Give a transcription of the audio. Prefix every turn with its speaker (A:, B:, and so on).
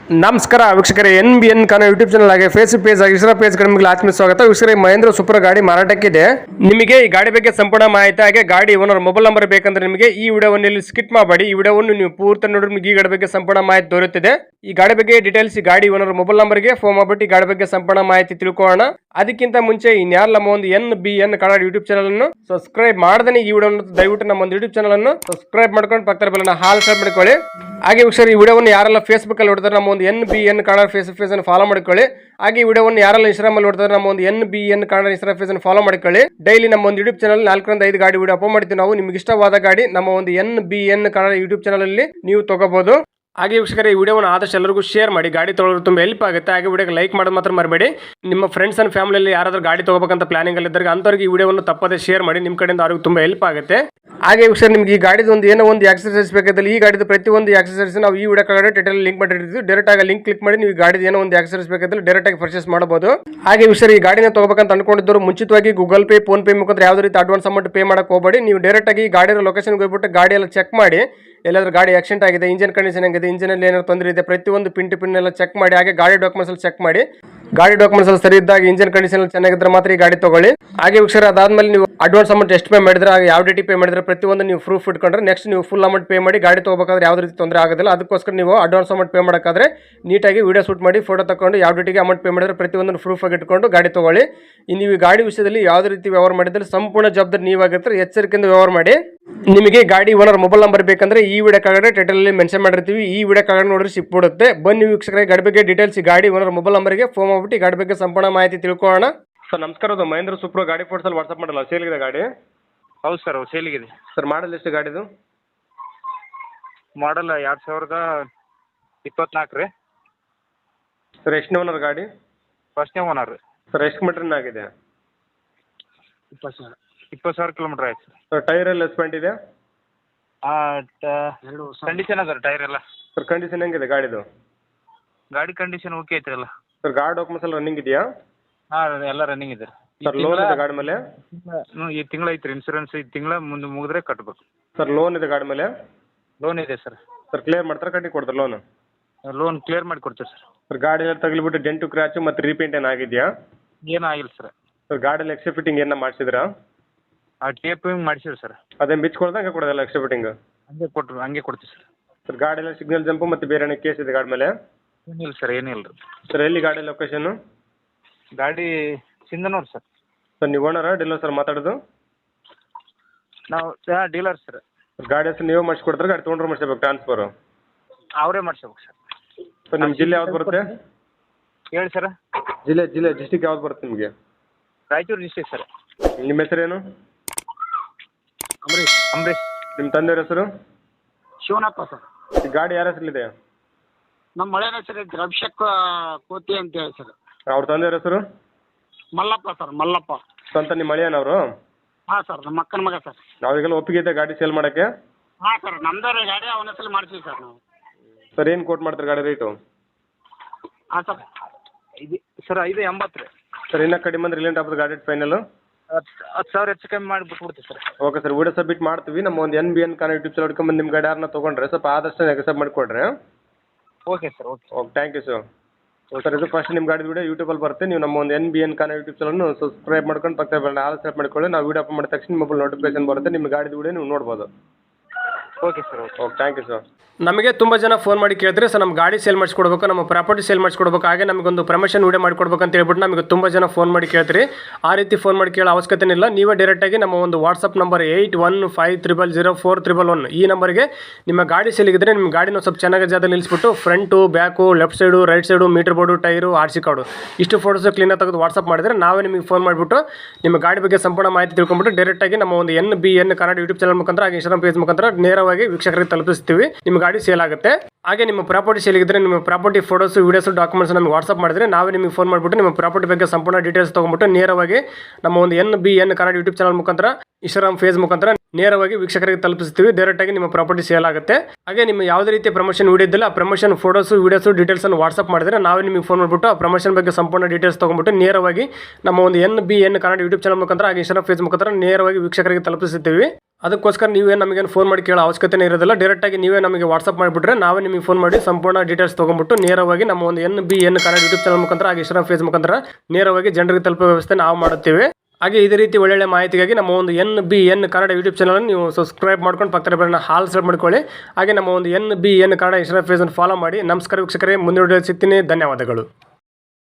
A: ನಮಸ್ಕಾರ ವೀಕ್ಷಕರೇ, NBN Kannada YouTube channel ಆಗಿ ಫೇಸ್ಬುಕ್ ಪೇಜ್ ಆಗಿ ಇನ್ಸ್ಟಾ ಪೇಜ್ ನಿಮಗೆ ಆತ್ಮೀಯ ಸ್ವಾಗತ. ವೀಕ್ಷಕರೇ, ಮಹೇಂದ್ರ ಸೂಪರ್ ಗಾಡಿ ಮಾರಾಟಕ್ಕಿದೆ. ನಿಮಗೆ ಈ ಗಾಡಿ ಬಗ್ಗೆ ಸಂಪೂರ್ಣ ಮಾಹಿತಿ ಹಾಗೆ ಗಾಡಿ ಓನರ್ ಮೊಬೈಲ್ ನಂಬರ್ ಬೇಕಂದ್ರೆ ನಿಮಗೆ ಈ ವಿಡಿಯೋವನ್ನು ಇಲ್ಲಿ ಸ್ಕಿಪ್ ಮಾಡಬೇಡಿ. ಈ ವಿಡಿಯೋವನ್ನು ನೀವು ಪೂರ್ತಿ ನೋಡಿದ್ರೆ ನಿಮಗೆ ಈ ಗಾಡಿ ಬಗ್ಗೆ ಸಂಪೂರ್ಣ ಮಾಹಿತಿ ದೊರೆಯುತ್ತದೆ. ಈ ಗಾಡಿ ಬಗ್ಗೆ ಡೀಟೇಲ್ಸ್ ಈ ಗಾಡಿ ಓನರ್ ಮೊಬೈಲ್ ನಂಬರ್ಗೆ ಫೋನ್ ಮಾಡಿಬಿಟ್ಟು ಈ ಗಾಡಿ ಬಗ್ಗೆ ಸಂಪೂರ್ಣ ಮಾಹಿತಿ ತಿಳ್ಕೊಳ್ಳೋಣ. ಅದಕ್ಕಿಂತ ಮುಂಚೆ ಇನ್ಯಾರು ನಮ್ಮ ಒಂದು NBN ಕನ್ನಡ ಯೂಟ್ಯೂಬ್ ಚಾನಲ್ ಅನ್ನು ಸಬ್ಸ್ಕ್ರೈಬ್ ಮಾಡದೇ ಈ ವಿಡಿಯೋ ದಯವಿಟ್ಟು ನಮ್ಮ ಒಂದು ಯೂಟ್ಯೂಬ್ ಚಾನಲ್ ಅನ್ನು ಸಬ್ಸ್ಕ್ರೈಬ್ ಮಾಡ್ಕೊಂಡು ಪಕ್ಕದ ಬೆಲ್ಲನ್ನು ಹಾಲ್ ಸಬ್ ಮಾಡ್ಕೊಳ್ಳಿ. ಹಾಗೆ ವೀಕ್ಷಕರು, ಈ ವಿಡಿಯೋವನ್ನು ಯಾರೆಲ್ಲ ಫೇಸ್ಬುಕ್ ಅಲ್ಲಿ ನೋಡ್ತಾರೆ ನಮ್ಮ ಒಂದು NBN ಕನ್ನಡ ಫೇಸ್ಬುಕ್ ಪೇಜ್ ಅನ್ನು ಫಾಲೋ ಮಾಡ್ಕೊಳ್ಳಿ. ಹಾಗೆ ಈ ವಿಡಿಯೋವನ್ನು ಯಾರೆಲ್ಲ ಇನ್ಸ್ಟಾಗ್ರಾಮ್ ಅಲ್ಲಿ ನೋಡ್ತಾರೆ ನಮ್ಮ ಒಂದು NBN ಕನ್ನಡ ಇನ್ಸ್ಟಾ ಪೇಜ್ ಅನ್ನು ಫಾಲೋ ಮಾಡ್ಕೊಳ್ಳಿ. ಡೈಲಿ ನಮ್ಮ ಒಂದು ಯೂಟ್ಯೂಬ್ ಚಾನಲ್ 4 ರಿಂದ 5 ಗಾಡಿ ವಿಡಿಯೋ ಅಪ್ಲೋಡ್ ಮಾಡ್ತೀವಿ ನಾವು. ನಿಮ್ಗೆ ಇಷ್ಟವಾದ ಗಾಡಿ ನಮ್ಮ ಒಂದು NBN ಕನ್ನಡ ಯೂಟ್ಯೂಬ್ ಚಾನಲ್ ಅಲ್ಲಿ ನೀವು ತಗೋಬಹುದು. ಹಾಗೆ ವೀಕ್ಷಕರೇ, ಈ ವಿಡಿಯೋವನ್ನು ಆದಷ್ಟು ಎಲ್ಲರಿಗೂ ಶೇರ್ ಮಾಡಿ, ಗಾಡಿ ತೊಗೊಳ್ಳೋರು ತುಂಬ ಹೆಲ್ಪ್ ಆಗುತ್ತೆ. ಹಾಗೆ ವಿಡಿಯೋಗೆ ಲೈಕ್ ಮಾಡೋದು ಮಾತ್ರ ಮರಬೇಡಿ. ನಿಮ್ಮ ಫ್ರೆಂಡ್ಸ್ ಅಂಡ್ ಫ್ಯಾಮಿಲಿಯಲ್ಲಿ ಯಾರಾದರೂ ಗಾಡಿ ತೊಗೋಬೇಕಂತ ಪ್ಲಾನಿಂಗ್ ಅಲ್ಲಿ ಇದ್ದರೆ ಅಂಥವ್ರಿಗೆ ಈ ವಿಡಿಯೋವನ್ನು ತಪ್ಪದೇ ಶೇರ್ ಮಾಡಿ. ನಿಮ್ಮ ಕಡೆಯಿಂದ ಅವ್ರಿಗೆ ತುಂಬ ಹೆಲ್ಪ್ ಆಗುತ್ತೆ. ಹಾಗೆ ವೀಕ್ಷಕರೇ, ನಿಮಗೆ ಈ ಗಾಡಿದು ಏನೋ ಒಂದು ಎಕ್ಸರ್ಸೈಸ್ ಬೇಕಾದಲ್ಲಿ ಈ ಗಾಡಿದು ಪ್ರತಿಯೊಂದು ಎಕ್ಸರ್ಸೈಸ್ ನಾವು ಈ ವಿಡಿಯೋ ಕೆಳಗಡೆ ಟೈಟಲ್ ಲಿಂಕ್ ಮಾಡಿರ್ತೀವಿ. ಡೈರೆಕ್ಟ್ ಆಗಿ ಲಿಂಕ್ ಕ್ಲಿಕ್ ಮಾಡಿ ನೀವು ಗಾಡಿದು ಏನೋ ಒಂದು ಎಕ್ಸರ್ಸೈಸ್ ಬೇಕಾದಲ್ಲಿ ಡೈರೆಕ್ಟ್ ಆಗಿ ಪರ್ಚೇಸ್ ಮಾಡಬಹುದು. ಹಾಗೆ ವೀಕ್ಷಕರೇ, ಈ ಗಾಡಿನ ತಗೋಬೇಕಂತ ಅನ್ಕೊಂಡಿದ್ದವರು ಮುಂಚಿತವಾಗಿ ಗೂಗಲ್ ಪೇ, ಫೋನ್ ಪೇ ಮುಖಾಂತರ ಯಾವುದೇ ರೀತಿ ಅಡ್ವಾನ್ಸ್ ಅಮೌಂಟ್ ಪೇ ಮಾಡಕ್ಕೆ ಹೋಗಬೇಡಿ. ನೀವು ಡೈರೆಕ್ಟ್ ಆಗಿ ಗಾಡಿಯ ಲೊಕೇಶನ್ಗೆ ಹೋಗ್ಬಿಟ್ಟು ಗಾಡಿ ಎಲ್ಲ ಚೆಕ್ ಮಾಡಿ. ಎಲ್ಲಾದ್ರೂ ಗಾಡಿ ಆಕ್ಸಿಡೆಂಟ್ ಆಗಿದೆ, ಇಂಜಿನ್ ಕಂಡೀಷನ್ ಆಗಿದೆ, ಇಂಜಿನಲ್ಲಿ ಏನಾದ್ರು ತೊಂದರೆ ಇದೆ, ಪ್ರತಿಯೊಂದು ಪಿನ್ ಎಲ್ಲ ಚೆಕ್ ಮಾಡಿ. ಹಾಗೆ ಗಾಡಿ ಡಾಕ್ಯುಮೆಂಟ್ಸ್ ಅಲ್ಲಿ ಚೆಕ್ ಮಾಡಿ. ಗಾಡಿ ಡಾಕ್ಯುಮೆಂಟ್ಸ್ ಅಲ್ಲಿ ಸರಿ ಇದ್ದಾಗ, ಇಂಜಿನ್ ಕಂಡೀಷನ್ ಚೆನ್ನಾಗಿದ್ರೆ ಮಾತ್ರ ಈ ಗಾಡಿ ತಗೊಳ್ಳಿ. ಹಾಗೆ ವೀಕ್ಷಕರೇ, ಅದಾದ್ಮೇಲೆ ನೀವು ಅಡ್ವಾನ್ಸ್ ಅಮೌಂಟ್ ಎಷ್ಟು ಪೇ ಮಾಡಿದ್ರೆ, ಹಾಗೆ ಯಾವ ಡೇಟಿ ಪೇ ಮಾಡಿದ್ರೆ ಪ್ರತಿಯೊಂದು ನೀವು ಪ್ರೂಫ್ ಇಟ್ಕೊಂಡ್ರೆ ನೆಕ್ಸ್ಟ್ ನೀವು ಫುಲ್ ಅಮೌಂಟ್ ಪೇ ಮಾಡಿ ಗಾಡಿ ತಗೋಬೇಕಾದ್ರೆ ಯಾವುದೇ ರೀತಿ ತೊಂದರೆ ಆಗೋದಿಲ್ಲ. ಅದಕ್ಕೋಸ್ಕರ ನೀವು ಅಡ್ವಾನ್ಸ್ ಅಮೌಂಟ್ ಪೇ ಮಾಡೋಕ್ಕಾದ್ರೆ ನೀಟಾಗಿ ವಿಡಿಯೋ ಶೂಟ್ ಮಾಡಿ ಫೋಟೋ ತಗೊಂಡು ಯಾವ ಡೇಟಿಗೆ ಅಮೌಂಟ್ ಪೇ ಮಾಡಿದ್ರೆ ಪ್ರತಿಯೊಂದು ಪ್ರೂಫ್ ಆಗಿ ಇಟ್ಕೊಂಡು ಗಾಡಿ ತಗೊಳ್ಳಿ. ನೀವು ಈ ಗಾಡಿ ವಿಷಯದಲ್ಲಿ ಯಾವುದೇ ರೀತಿ ವ್ಯವಹಾರ ಮಾಡಿದ್ರೆ ಸಂಪೂರ್ಣ ಜವಾಬ್ದಾರಿ ನೀವಾಗಿರ್ತಾರೆ. ಎಚ್ಚರಿಕೆಯಿಂದ ವ್ಯವಹಾರ ಮಾಡಿ. ನಿಮಗೆ ಗಾಡಿ ಓನರ್ ಮೊಬೈಲ್ ನಂಬರ್ ಬೇಕಂದ್ರೆ ಈ ವಿಡಿಯೋ ಕೆಳಗಡೆ ಟೈಟಲ್ ಅಲ್ಲಿ ಮೆನ್ಷನ್ ಮಾಡಿರ್ತೀವಿ. ಈ ವಿಡಿಯೋ ಕೆಳಗಡೆ ನೋಡ್ರಿ ಸಿಕ್ಬಿಡುತ್ತೆ. ಬನ್ನಿ ವೀಕ್ಷಕರೇ, ಗಾಡಿ ಬಗ್ಗೆ ಡೀಟೇಲ್ಸ್ ಗಾಡಿ ಓನರ್ ಮೊಬೈಲ್ ನಂಬರ್ಗೆ ಫೋನ್ ಮಾಡ್ಬಿಟ್ಟು ಗಾಡಿ ಬಗ್ಗೆ ಸಂಪೂರ್ಣ ಮಾಹಿತಿ ತಿಳ್ಕೊಳ್ಳೋಣ. ಸರ್ ನಮಸ್ಕಾರ, ಅದು ಮಹೇಂದ್ರ ಸೂಪರ್ ಗಾಡಿ ಫೋಟೋಸ್ ಅಲ್ಲಿ ವಾಟ್ಸ್ಆಪ್ ಮಾಡಲ್ಲ, ಸೇಲ್ಗಿದೆ ಗಾಡಿ?
B: ಹೌದು ಸರ್, ಸೇಲಿಗಿದೆ
A: ಸರ್. ಮಾಡಲ್ ಎಷ್ಟು ಗಾಡಿದು?
B: ಮಾಡಲ್ 2024 ರೀ.
A: ಸರ್ ಎಷ್ಟು ಓನರ್ ಗಾಡಿ?
B: ಫಸ್ಟ್ನೇ ಓನರ್ ರೀ.
A: ಸರ್ ಎಷ್ಟು ಮೀಟರ್ ಆಗಿದೆ?
B: 20,000 ಕಿಲೋಮೀಟರ್ ಆಯ್ತು ಸರ್.
A: ಸರ್ ಟೈರ್ ಎಲ್ಲ ಎಸ್ಪೆಂಟ್ ಇದೆ?
B: ಕಂಡೀಷನ್ ಅದ ಟೈರ್ ಎಲ್ಲ.
A: ಸರ್ ಕಂಡೀಷನ್ ಹೆಂಗಿದೆ ಗಾಡಿದು?
B: ಗಾಡಿ ಕಂಡೀಷನ್ ಓಕೆ ಐತ್ರಿ ಎಲ್ಲ.
A: ಸರ್ ಗಾಡಿ ಡಾಕ್ಯುಮೆಂಟ್ಸ್ ಎಲ್ಲ ರನ್ನಿಂಗ್ ಇದೆಯಾ?
B: ಹಾಂ, ಎಲ್ಲ ರನ್ನಿಂಗ್ ಇದೆ.
A: ಸರ್ ಲೋನ್ ಇದೆ ಗಾಡಿ ಮೇಲೆ?
B: ಈ ತಿಂಗಳ ಐತ್ರಿ ಇನ್ಸೂರೆನ್ಸ್. ಈ ತಿಂಗಳ ಮುಂದೆ ಮುಗಿದ್ರೆ ಕಟ್ಬೇಕು.
A: ಸರ್ ಲೋನ್ ಇದೆ ಗಾಡಿ ಮೇಲೆ?
B: ಲೋನ್ ಇದೆ ಸರ್.
A: ಸರ್ ಕ್ಲಿಯರ್ ಮಾಡ್ತಾರೆ, ಕಟ್ಟಿ ಕೊಡ್ತಾರೆ ಲೋನ್?
B: ಲೋನ್ ಕ್ಲಿಯರ್ ಮಾಡಿ ಕೊಡ್ತೀವಿ ಸರ್.
A: ಸರ್ ಗಾಡಿ ಎಲ್ಲ ತಗಲಿಬಿಟ್ಟು ಡೆಂಟು ಕ್ರ್ಯಾಚು ಮತ್ತು ರೀಪೇಂಟ್ ಏನು ಆಗಿದೆಯಾ?
B: ಏನೂ ಆಗಿಲ್ಲ ಸರ್.
A: ಸರ್ ಗಾಡಿಯಲ್ಲಿ ಎಕ್ಸ್ಟ್ರಾ ಫಿಟ್ಟಿಂಗ್ ಏನ ಮಾಡಿಸಿದ್ರಾ?
B: Taping ಮಾಡಿಸಿವಿ sir.
A: ಅದೇ ಬಿಚ್ಕೊಳ್ದ ಹಂಗೆ ಕೊಡೋದಲ್ಲ ಎಕ್ಸ್ಟ್ರಾ ಫಿಟ್ಟಿಂಗ್?
B: ಹಂಗೆ ಕೊಡ್ತೀವಿ ಸರ್.
A: ಸರ್ ಗಾಡಿ ಎಲ್ಲ ಸಿಗ್ನಲ್ ಜಂಪು ಮತ್ತು ಬೇರೆ ಏನೋ ಕೇಸ್ ಇದೆ ಗಾಡಿ ಮೇಲೆ?
B: ಏನಿಲ್ಲ ಸರ್, ಏನಿಲ್ಲ ರೀ.
A: ಸರ್ ಎಲ್ಲಿ ಗಾಡಿ ಲೊಕೇಶನ್?
B: ಗಾಡಿ ಸಿಂಧನೂರು ಸರ್.
A: ಸರ್ ನೀವು ಓನರಾ ಡೀಲರ್ ಸರ್ ಮಾತಾಡೋದು?
B: ನಾವು ಡೀಲರ್ ಸರ್.
A: ಗಾಡಿ ಹೆಸರು ನೀವೇ ಮಾಡಿಸ್ಕೊಡ್ತಾರೆ, ಗಾಡಿ ತೊಗೊಂಡ್ರೆ ಮಾಡಿಸ್ಬೇಕು ಟ್ರಾನ್ಸ್ಫರು?
B: ಅವರೇ ಮಾಡಿಸ್ಬೇಕು ಸರ್.
A: ಸರ್ ನಿಮ್ಮ ಜಿಲ್ಲೆ ಯಾವ್ದು ಬರುತ್ತೆ?
B: ಹೇಳಿ ಸರ್.
A: ಜಿಲ್ಲೆ ಡಿಸ್ಟಿಕ್ ಯಾವ್ದು ಬರುತ್ತೆ ನಿಮಗೆ?
B: Raichur district sir.
A: ನಿಮ್ಮ ಹೆಸರೇನು?
B: ಅಂಬರೀಶ್.
A: ನಿಮ್ಮ ತಂದೆಯವ್ರ ಹೆಸರು?
C: ಶಿವನಪ್ಪ ಸರ್.
A: ಈ ಗಾಡಿ ಯಾರ ಹೆಸರಿದೆ?
C: ನಮ್ಮ ಮಳೆಯ ಹೆಸರು ಐತ್ರಿ, ಅಭಿಷೇಕ್ ಕೋತಿ ಅಂತ ಹೇಳಿ ಸರ್.
A: ಅವ್ರ ತಂದೆಯವ್ರ ಹೆಸರು?
C: ಮಲ್ಲಪ್ಪ ಸರ್, ಮಲ್ಲಪ್ಪ.
A: ಸ್ವಂತ ನಿಮ್ಮ ಮಳೆಯನವರು?
C: ಹಾಂ ಸರ್, ನಮ್ಮ ಅಕ್ಕನ ಮಗ ಸರ್.
A: ನಾವೀಗೆಲ್ಲ ಒಪ್ಪಿಗೆ ಇದೆ ಗಾಡಿ ಸೇಲ್ ಮಾಡೋಕ್ಕೆ?
C: ಹಾಂ ಸರ್, ನಮ್ದೇ ಗಾಡಿ ಅವನ ಹೆಸರು ಮಾಡ್ತೀವಿ ಸರ್ ನಾವು.
A: ಸರ್ ಏನು ಕೋಟ್ ಮಾಡ್ತಾರೆ ಗಾಡಿ ರೇಟು?
C: ಹಾಂ ಸರ್,
B: ಇದು ಸರ್ 580 ರೀ.
A: ಸರ್ ಇನ್ನೂ ಕಡಿಮೆ ಅಂದ್ರೆ ರಿಲೆಂಟ್ ಆಗ್ತದೆ ಗಾಡಿ ಫೈನಲ್?
B: 10,000 ಹೆಚ್ಚು ಕಮ್ಮಿ ಮಾಡಿ ಬಿಟ್ಬಿಡ್ತೀವಿ ಸರ್.
A: ಓಕೆ ಸರ್, ವಿಡಿಯೋ ಸಬ್ಮಿಟ್ ಮಾಡ್ತೀವಿ. ನಮ್ಮ ಒಂದು NBN ಕನ್ನಡ ಯೂಟ್ಯೂಬ್ ಚಾನಲ್ ಹಿಡ್ಕೊಂಬಂದು ನಿಮ್ಮ ಗಾಡಿ ಯಾರನ್ನ ತೊಗೊಂಡ್ರೆ ಸ್ವಲ್ಪ ಆದಷ್ಟು ಎಕ್ಸೆಪ್ಟ್ ಮಾಡಿಕೊಡ್ರಿ.
B: Okay sir. Okay
A: thank you sir. Sir ಇದು ಫಸ್ಟ್ ನಿಮ್ಮ ಗಾಡಿ ವಿಡಿಯೋ ಯೂಟ್ಯೂಬಲ್ಲಿ ಬರುತ್ತೆ. ನೀವು ನಮ್ಮ ಒಂದು NBN ಕನ್ನಡ ಯೂಟ್ಯೂಬ್ ಚಾನಲ್ನು ಸಬ್ಸ್ಕ್ರೈಬ್ ಮಾಡ್ಕೊಂಡು ಪಕ್ಕ ಆಲ್ ಸೆಲೆಕ್ಟ್ ಮಾಡ್ಕೊಳ್ಳಿ. ನಾವು ವಿಡಿಯೋ ಅಪ್ ಮಾಡಿದ ತಕ್ಷಣ ಮೊಬೈಲ್ ನೋಟಿಫಿಕೇಶನ್ ಬರುತ್ತೆ. ನಿಮ್ಮ ಗಾಡಿ ವಿಡಿಯೋ ನೀವು ನೋಡ್ಬೋದು.
B: Okay sir.
A: Okay thank you sir. ನಮಗೆ ತುಂಬ ಜನ ಫೋನ್ ಮಾಡಿ ಕೇಳಿದ್ರೆ ಸರ್ ನಮ್ಮ ಗಾಡಿ ಸೇಲ್ ಮಾಡಿಸ್ಕೊಡ್ಬೇಕು, ನಮ್ಮ ಪ್ರಾಪರ್ಟಿ ಸೇಲ್ ಮಾಡಿಸ್ಕೊಡ್ಬೇಕು, ಹಾಗೆ ನಮಗೊಂದು ಪ್ರಮೋಷನ್ ವಿಡಿಯೋ ಮಾಡಿಕೊಡ್ಬೇಕು ಅಂತ ಹೇಳ್ಬಿಟ್ಟು ನಮಗೆ ತುಂಬ ಜನ ಫೋನ್ ಮಾಡಿ ಕೇಳ್ತೀರಿ. ಆ ರೀತಿ ಫೋನ್ ಮಾಡಿ ಕೇಳೋ ಅವಶ್ಯಕತೆ ಇಲ್ಲ. ನೀವೇ ಡೈರೆಕ್ಟಾಗಿ ನಮ್ಮ ಒಂದು ವಾಟ್ಸಪ್ ನಂಬರ್ 81500411 ಈ ನಂಬರ್ಗೆ ನಿಮ್ಮ ಗಾಡಿ ಸೇಲಿಗಿದ್ರೆ ನಿಮ್ಮ ಗಾಡಿನ ಸ್ವಲ್ಪ ಚೆನ್ನಾಗಿ ಜಾಗದಲ್ಲಿ ನಿಲ್ಲಿಸ್ಬಿಟ್ಟು front, back, left side, right side, meter board, tyre, RC card ಇಷ್ಟು ಫೋಟೋಸ್ ಕ್ಲೀನಾಗಿ ತೆಗೆದು ವಾಟ್ಸಪ್ ಮಾಡಿದರೆ ನಾವೇ ನಿಮಗೆ ಫೋನ್ ಮಾಡಿಬಿಟ್ಟು ನಿಮ್ಮ ಗಾಡಿ ಬಗ್ಗೆ ಸಂಪೂರ್ಣ ಮಾಹಿತಿ ತಿಳ್ಕೊಂಡ್ಬಿಟ್ಟು ಡೈರೆಕ್ಟಾಗಿ ನಮ್ಮ ಒಂದು NBN ಕನ್ನಡ ಯೂಟ್ಯೂಬ್ ಚಾನಲ್ ಮುಖಾಂತರ ಹಾಗೆ ಇನ್ಸ್ಟಾಗ್ರಾಮ್ ಪೇಜ್ ಮುಖಾಂತರ ನೇರವಾಗಿ ವೀಕ್ಷಕರಿಗೆ ತಲುಪಿಸ್ತೀವಿ. ನಿಮ್ಮ ಗಾಡಿ ಸೇಲ್ ಆಗುತ್ತೆ. ಹಾಗೆ ನಿಮ್ಮ ಪ್ರಾಪರ್ಟಿ ಸೇಲಿಗಿದ್ರೆ ನಿಮ್ಮ ಪ್ರಾಪರ್ಟಿ ಫೋಟೋಸ್, ವಿಡಿಯೋಸ್, ಡಾಕ್ಯುಮೆಂಟ್ಸ್ ನಮಗೆ ವಾಟ್ಸಪ್ ಮಾಡಿದ್ರೆ ನಾವೇ ನಿಮಗೆ ಫೋನ್ ಮಾಡಿಬಿಟ್ಟು ನಿಮ್ಮ ಪ್ರಾಪರ್ಟಿ ಬಗ್ಗೆ ಸಂಪೂರ್ಣ ಡೀಟೇಲ್ಸ್ ತೊಗೊಂಡ್ಬಿಟ್ಟು ನೇರವಾಗಿ ನಮ್ಮ ಒಂದು NBN ಕನ್ನಡ ಯೂಟ್ಯೂಬ್ ಚಾನಲ್ ಮುಖಾಂತರ ಇನ್ಸ್ಟಾಗ್ರಾಮ್ ಫೇಸ್ ಮುಖಾಂತರ ನೇರವಾಗಿ ವೀಕ್ಷಕರಿಗೆ ತಲುಪಿಸ್ತೀವಿ. ಡೈರೆಕ್ಟಾಗಿ ನಿಮ್ಮ ಪ್ರಾಪರ್ಟಿ ಸೇಲ್ ಆಗುತ್ತೆ. ಹಾಗೆ ನಿಮ್ಮ ಯಾವುದೇ ರೀತಿಯ ಪ್ರಮೋಷನ್ ವಿಡಿಯೋ ಇದ್ದಿಲ್ಲ, ಆ ಪ್ರಮೋಷನ್ ಫೋಟೋಸು ವೀಡಿಯೋಸು ಡೀಟೇಲ್ಸನ್ನು ವಾಟ್ಸಪ್ ಮಾಡಿದ್ರೆ ನಾವೇ ನಿಮಗೆ ಫೋನ್ ಮಾಡಿಬಿಟ್ಟು ಆ ಪ್ರಮೋಷನ್ ಬಗ್ಗೆ ಸಂಪೂರ್ಣ ಡೀಟೇಲ್ಸ್ ತೊಗೊಂಡ್ಬಿಟ್ಟು ನೇರವಾಗಿ ನಮ್ಮ ಒಂದು NBN ಕನ್ನಡ ಯೂಟ್ಯೂಬ್ ಚಾನಲ್ ಮುಖಾಂತರ ಹಾಗೆ ಇನ್ಸ್ಟಾಗ್ರಾಮ್ ಫೇಸ್ ಮುಖಾಂತರ ನೇರವಾಗಿ ವೀಕ್ಷಕರಿಗೆ ತಲುಪಿಸುತ್ತೀವಿ. ಅದಕ್ಕೋಸ್ಕರ ನೀವೇ ನಮಗೇನು ಫೋನ್ ಮಾಡಿ ಕೇಳೋ ಅವಶ್ಯಕತೆ ಇರೋದಿಲ್ಲ. ಡೈರೆಕ್ಟಾಗಿ ನೀವೇ ನಮಗೆ ವಾಟ್ಸಪ್ ಮಾಡಿಬಿಟ್ರೆ ನಾವೇ ನಿಮಗೆ ಫೋನ್ ಮಾಡಿ ಸಂಪೂರ್ಣ ಡೀಟೇಲ್ಸ್ ತೊಗೊಂಡ್ಬಿಟ್ಟು ನೇರವಾಗಿ ನಮ್ಮ ಒಂದು NBN ಕನ್ನಡ ಯೂಟ್ಯೂಬ್ ಚಾನಲ್ ಮುಖಾಂತರ ಹಾಗೆ ಇನ್ಸ್ಟಾಗ್ರಾಮ್ ಫೇಸ್ ಮುಖಾಂತರ ನೇರವಾಗಿ ಜನರಿಗೆ ತಲುಪೋ ವ್ಯವಸ್ಥೆ ನಾವು ಮಾಡುತ್ತೇವೆ. ಹಾಗೆ ಇದೇ ರೀತಿ ಒಳ್ಳೊಳ್ಳೆ ಮಾಹಿತಿಗಾಗಿ ನಮ್ಮ ಒಂದು NBN ಕನ್ನಡ ಯೂಟ್ಯೂಬ್ ಚಾನಲ್ ನೀವು ಸಬ್ಸ್ಕ್ರೈಬ್ ಮಾಡ್ಕೊಂಡು ಪಕ್ಕದ ಬೆಲ್ಲನ್ನ ಹಾಲ್ ಸೆಲೆಕ್ಟ್ ಮಾಡ್ಕೊಳ್ಳಿ. ಹಾಗೆ ನಮ್ಮ ಒಂದು NBN ಕನ್ನಡ ಇನ್ಸ್ಟಾಗ್ರಾಮ್ ಫೇಸನ್ನು ಫಾಲೋ ಮಾಡಿ. ನಮಸ್ಕಾರ ವೀಕ್ಷಕರೇ, ಮುಂದಿನ ವಿಡಿಯೋ ಸಿಗ್ತೀನಿ. ಧನ್ಯವಾದಗಳು.